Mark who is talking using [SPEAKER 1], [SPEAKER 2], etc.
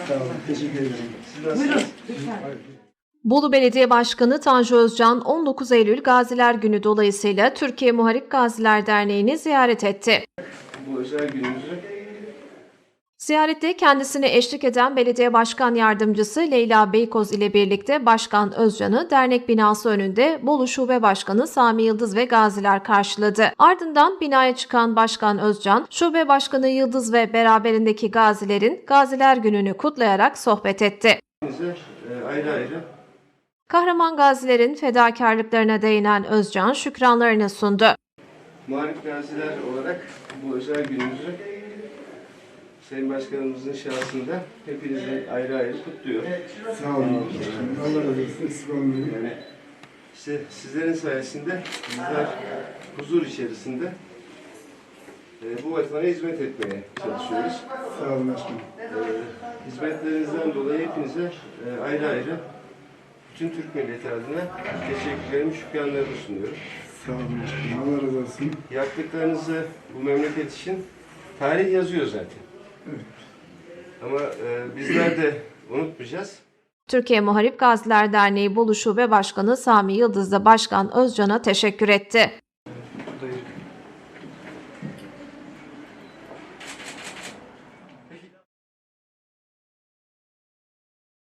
[SPEAKER 1] Sağ olun. Teşekkür ederim.
[SPEAKER 2] Siz nasılsınız?
[SPEAKER 3] Bolu Belediye Başkanı Tanju Özcan 19 Eylül Gaziler Günü dolayısıyla Türkiye Muharip Gaziler Derneği'ni ziyaret etti.
[SPEAKER 2] Bu özel gününüzü
[SPEAKER 3] Ziyarette kendisine eşlik eden Belediye Başkan Yardımcısı Leyla Beykoz ile birlikte Başkan Özcan'ı dernek binası önünde Bolu Şube Başkanı Sami Yıldız ve gaziler karşıladı. Ardından binaya çıkan Başkan Özcan, Şube Başkanı Yıldız ve beraberindeki gazilerin Gaziler Günü'nü kutlayarak sohbet etti.
[SPEAKER 2] ayrı ayrı
[SPEAKER 3] Kahraman gazilerin fedakarlıklarına değinen Özcan şükranlarını sundu.
[SPEAKER 2] muharip gaziler olarak bu özel günümüzü Sayın Başkanımızın şahsında hepinizi ayrı ayrı kutluyor.
[SPEAKER 1] Sağ olun. Allah razı olsun. Eksik olmayın.
[SPEAKER 2] Yani işte sizlerin sayesinde bizler huzur içerisinde bu vatana hizmet etmeye çalışıyoruz.
[SPEAKER 1] Sağ olun başkanım.
[SPEAKER 2] Hizmetlerinizden dolayı hepinize ayrı ayrı bütün Türk milleti adına teşekkürlerimi, şükranlarımı sunuyorum.
[SPEAKER 1] Sağ olun başkanım. Allah razı olsun.
[SPEAKER 2] Yaptıklarınızı bu memleket için tarih yazıyor zaten.
[SPEAKER 1] Evet.
[SPEAKER 2] Ama bizler de unutmayacağız.
[SPEAKER 3] Türkiye Muharip Gaziler Derneği Bolu Şube Başkanı Sami Yıldız da Başkan Özcan'a teşekkür etti.
[SPEAKER 2] Buradayız.